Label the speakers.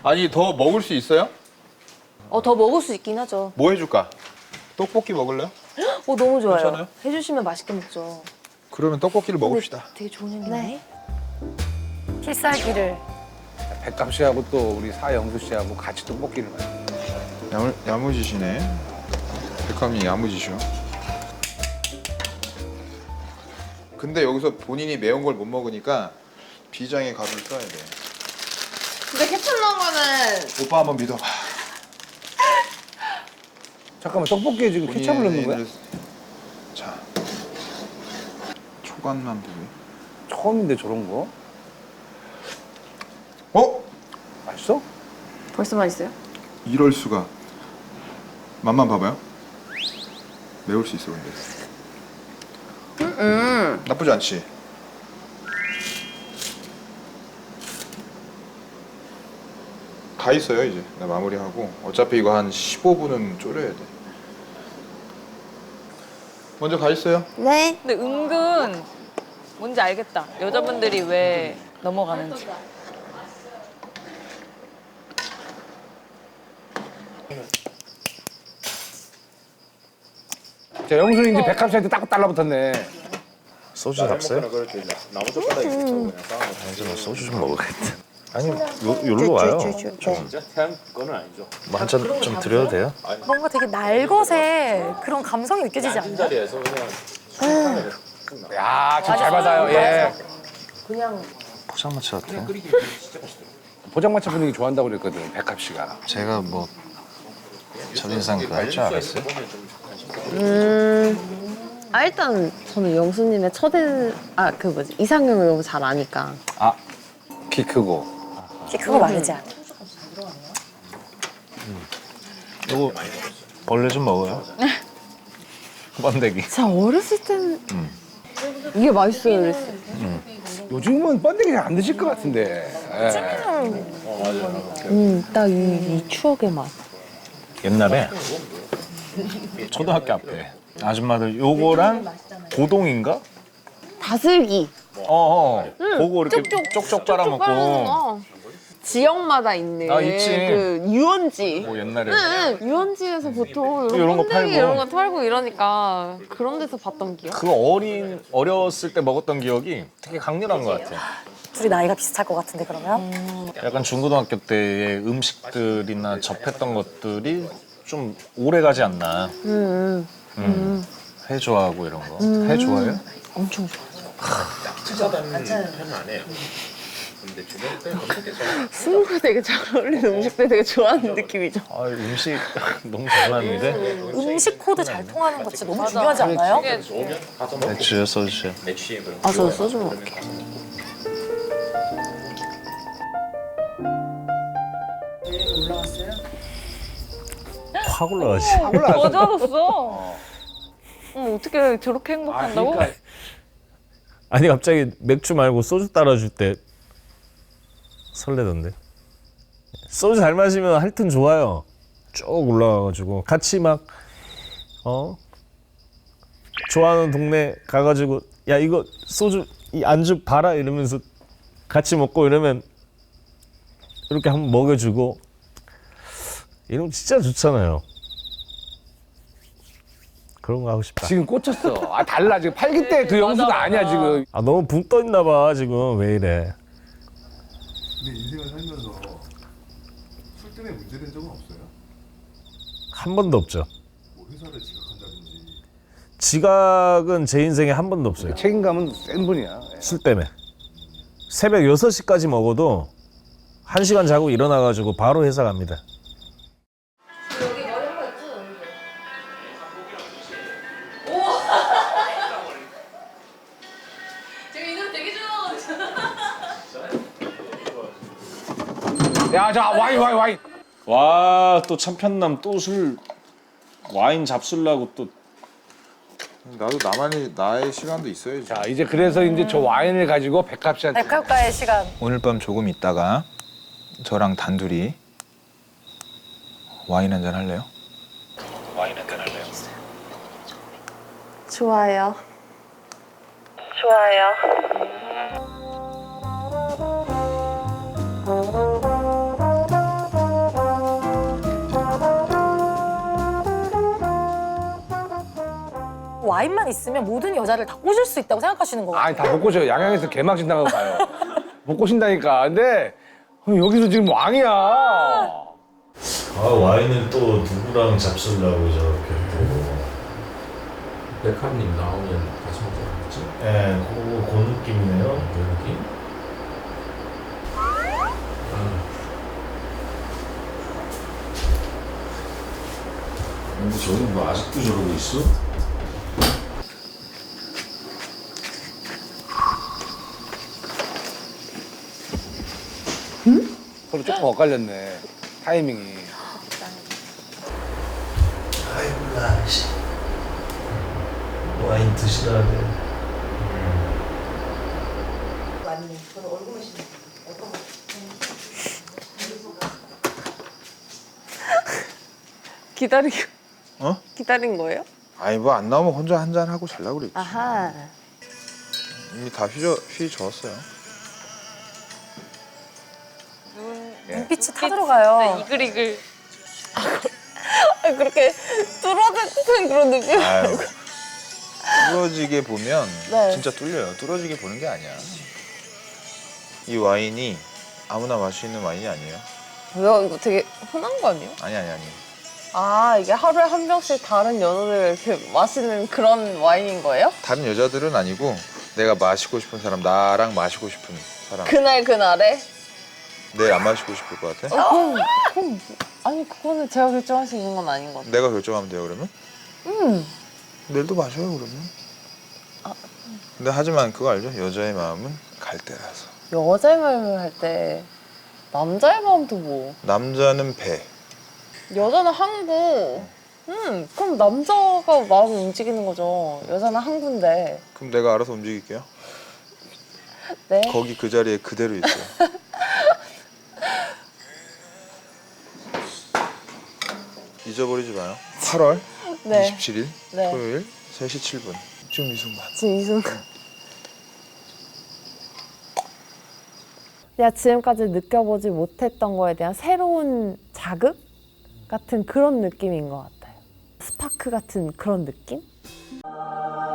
Speaker 1: 아니 더 먹을 수 있어요?
Speaker 2: 더 먹을 수 있긴 하죠.
Speaker 1: 뭐 해줄까? 떡볶이 먹을래요?
Speaker 2: 너무 좋아요.
Speaker 1: 괜찮아요?
Speaker 2: 해주시면 맛있게 먹죠.
Speaker 1: 그러면 떡볶이를 먹읍시다.
Speaker 2: 되게 좋은 얘기네.
Speaker 3: 필살기를.
Speaker 4: 백감 씨하고 또 우리 사영수 씨하고 같이 떡볶이를 먹어요.
Speaker 1: 야무지시네. 백함이 야무지셔. 근데 여기서 본인이 매운 걸 못 먹으니까 비장의 가루를 써야 돼.
Speaker 2: 근데 케첩 넣은 거는
Speaker 1: 오빠 한번 믿어봐.
Speaker 4: 잠깐만, 떡볶이에 지금 케첩을 넣는 거야?
Speaker 1: 자, 초간만 보게.
Speaker 4: 처음인데 저런 거?
Speaker 1: 어?
Speaker 4: 맛있어?
Speaker 2: 벌써 맛있어요?
Speaker 1: 이럴 수가. 맛만 봐봐요. 매울 수 있어 근데. 나쁘지 않지. 다 있어요 이제. 나 마무리하고. 어차피 이거 한 15분은 졸여야 돼. 먼저 가 있어요.
Speaker 2: 네.
Speaker 3: 근데 은근 뭔지 알겠다. 여자분들이 왜 넘어가는지.
Speaker 4: 자, 영수는 이제 백감 씨한테 딱 달라붙었네.
Speaker 5: 소주 잡어요? 아니죠, 소주 좀 먹어야겠다. 아니, 여기로 와요. 뭐 한 잔 좀 드려도 돼요?
Speaker 3: 뭔가 되게 날것의 그런 감성이 느껴지지 않나요?
Speaker 4: 야, 참 잘 받아요. 예.
Speaker 5: 포장마차 같아요.
Speaker 4: 포장마차 분위기 좋아한다고 그랬거든, 백합 씨가.
Speaker 5: 제가 뭐 첫인상 그거 할 줄 알았어요?
Speaker 6: 일단 저는 영수님의 이상형을 너무 잘 아니까.
Speaker 4: 아, 키 크고.
Speaker 3: 그거 말이지 않아.
Speaker 5: 이거 벌레 좀 먹어요. 번데기.
Speaker 6: 제가 어렸을 때는 이게 맛있어요 그랬어요.
Speaker 4: 요즘은 번데기 잘 안 드실 것 같은데. 예.
Speaker 6: 딱 이 추억의 맛.
Speaker 5: 옛날에 초등학교 앞에 아줌마들 요거랑 고동인가?
Speaker 6: 다슬기.
Speaker 5: 그거 이렇게 쪽쪽 빨아먹고.
Speaker 6: 지역마다 있는
Speaker 5: 있지.
Speaker 6: 그 유원지.
Speaker 5: 뭐 옛날에
Speaker 6: 유원지에서 보통
Speaker 5: 이런
Speaker 6: 이런
Speaker 5: 거
Speaker 6: 번데기
Speaker 5: 팔고.
Speaker 6: 이런 거 팔고 이러니까 그런 데서 봤던 기억.
Speaker 5: 그 어렸을 때 먹었던 기억이 되게 강렬한 것 같아요.
Speaker 3: 둘이 나이가 비슷할 것 같은데 그러면?
Speaker 5: 약간 중고등학교 때의 음식들이나 접했던 것들이 좀 오래 가지 않나. 회 좋아하고 이런 거. 회 좋아해요?
Speaker 6: 엄청 좋아. 술과 되게 잘 어울리는 음식들 되게 좋아하는 느낌이죠.
Speaker 5: 아, 음식 너무 잘하는데.
Speaker 3: 음식 코드 잘 통하는 거 진짜 너무 중요하지 않나요?
Speaker 5: 맥주요, 소주요.
Speaker 6: 저 소주 먹을게요.
Speaker 5: 확 올라가지.
Speaker 3: 더 좋아졌어. 어떻게 저렇게 행복한다고?
Speaker 4: 그러니까
Speaker 5: 아니 갑자기 맥주 말고 소주 따라줄 때 설레던데. 소주 잘 마시면 하여튼 좋아요. 쭉 올라가가지고 같이 막 좋아하는 동네 가가지고 야 이거 소주 이 안주 봐라 이러면서 같이 먹고 이러면 이렇게 한번 먹여주고 이러면 진짜 좋잖아요. 그런 거 하고 싶다.
Speaker 4: 지금 꽂혔어. 달라. 지금 8기 때 그 영수가 아니야, 지금.
Speaker 5: 아 너무 붕 떠 있나 봐 지금. 왜 이래.
Speaker 7: 근데 인생을 살면서 술 때문에 문제된 적은 없어요?
Speaker 5: 한 번도 없죠.
Speaker 7: 뭐 회사를 지각한다든지.
Speaker 5: 지각은 제 인생에 한 번도 없어요.
Speaker 4: 책임감은 센 분이야. 예.
Speaker 5: 술 때문에. 새벽 6시까지 먹어도 1시간 자고 일어나가지고 바로 회사 갑니다.
Speaker 4: 야, 자, 와인.
Speaker 5: 와, 또 참편남 또 술 와인 잡술라고 또.
Speaker 1: 나도 나의 시간도 있어야지.
Speaker 4: 자, 이제 그래서 이제 저 와인을 가지고 백합 씨한테.
Speaker 3: 백합과의 시간.
Speaker 1: 오늘 밤 조금 있다가 저랑 단둘이 와인 한잔 할래요?
Speaker 6: 좋아요.
Speaker 3: 좋아요. 와인만 있으면 모든 여자를 다 꼬실 수 있다고 생각하시는 거 같아요.
Speaker 4: 아니 다 못 꼬셔요. 양양에서 개막신 당하고 가요. 못 꼬신다니까. 근데 여기서 지금 왕이야.
Speaker 5: 아 와인을 또 누구랑 잡술라고 저렇게 또.
Speaker 8: 백합님 나오면 같이 먹자고 했지?
Speaker 5: 예, 그 느낌이네요.
Speaker 8: 그 느낌?
Speaker 5: 근데 저기 뭐 아직도 저러고 있어?
Speaker 4: 서로 조금 엇갈렸네. 타이밍이.
Speaker 5: 아이고 나씨 와인 드시라 돼.
Speaker 6: 기다린 거예요?
Speaker 1: 아니 뭐 안 나오면 혼자 한 잔 하고 잘라고 그랬지.
Speaker 2: 아하.
Speaker 1: 이미 다 휘저었어요.
Speaker 3: 눈빛이 타들어가요.
Speaker 6: 이글이글. 그렇게 뚫어지는 그런 느낌?
Speaker 1: 아유, 뚫어지게 보면
Speaker 2: 네.
Speaker 1: 진짜 뚫려요. 뚫어지게 보는 게 아니야. 이 와인이 아무나 마실 수 있는 와인이 아니에요.
Speaker 6: 뭐야 이거 되게 흔한 거 아니에요?
Speaker 1: 아니.
Speaker 6: 아 이게 하루에 한 병씩 다른 여자들 이렇게 마시는 그런 와인인 거예요?
Speaker 1: 다른 여자들은 아니고 내가 마시고 싶은 사람, 나랑 마시고 싶은 사람.
Speaker 6: 그날에?
Speaker 1: 내일 안 마시고 싶을 것 같아?
Speaker 6: 그럼 아니 그거는 제가 결정할 수 있는 건 아닌 것 같아요.
Speaker 1: 내가 결정하면 돼요 그러면? 내일도 마셔요 그러면. 근데 하지만 그거 알죠? 여자의 마음은 갈대라서.
Speaker 6: 여자의 마음을 할 때 남자의 마음도 뭐
Speaker 1: 남자는 배.
Speaker 6: 여자는 항구. 그럼 남자가 마음을 움직이는 거죠. 여자는 항구인데.
Speaker 1: 그럼 내가 알아서 움직일게요.
Speaker 6: 네.
Speaker 1: 거기 그 자리에 그대로 있어요. 잊어버리지 마요. 8월
Speaker 6: 네.
Speaker 1: 27일
Speaker 6: 네.
Speaker 1: 토요일 3시 7분. 지금 이 순간.
Speaker 6: 지금 이 순간. 내가 지금까지 느껴보지 못했던 거에 대한 새로운 자극 같은 그런 느낌인 것 같아요. 스파크 같은 그런 느낌?